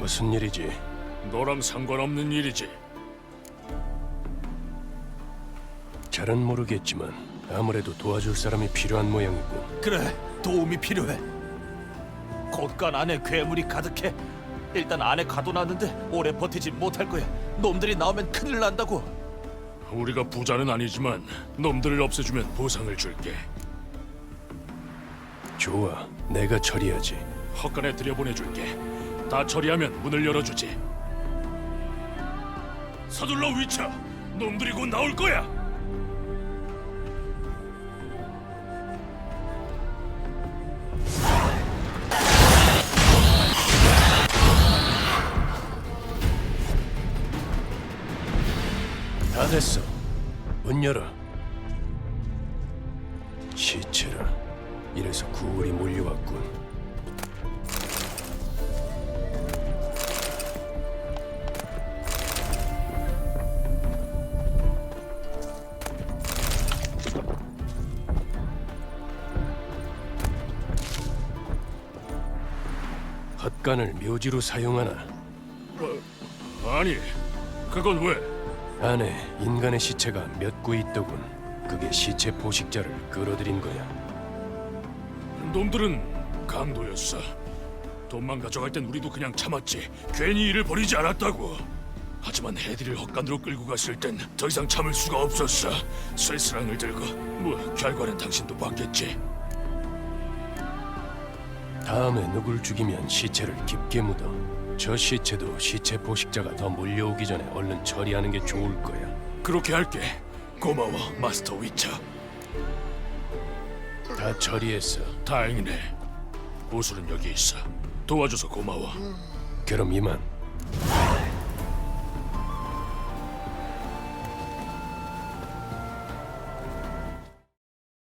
무슨 일이지? 너랑 상관없는 일이지. 잘은 모르겠지만 아무래도 도와줄 사람이 필요한 모양이고. 그래, 도움이 필요해. 곳간 안에 괴물이 가득해. 일단 안에 가둬놨는데 오래 버티지 못할 거야. 놈들이 나오면 큰일 난다고. 우리가 부자는 아니지만 놈들을 없애주면 보상을 줄게. 좋아, 내가 처리하지. 헛간에 들여보내줄게. 다 처리하면 문을 열어주지. 서둘러 위쳐. 놈들이 곧 나올 거야. 다 됐어. 문 열어. 시체라. 이래서 구울이 몰려왔군. 헛간을 묘지로 사용하나? 아니, 그건 왜? 안에 인간의 시체가 몇 구 있더군. 그게 시체 포식자를 끌어들인 거야. 놈들은 강도였어. 돈만 가져갈 땐 우리도 그냥 참았지. 괜히 일을 벌이지 않았다고. 하지만 해디를 헛간으로 끌고 갔을 땐 더 이상 참을 수가 없었어. 쇠스랑을 들고. 뭐 결과는 당신도 봤겠지. 다음에 누굴 죽이면 시체를 깊게 묻어. 저 시체도 시체 포식자가 더 몰려오기 전에 얼른 처리하는 게 좋을 거야. 그렇게 할게. 고마워, 마스터 위쳐. 다 처리했어. 다행이네. 보수는 여기 있어. 도와줘서 고마워. 그럼 이만.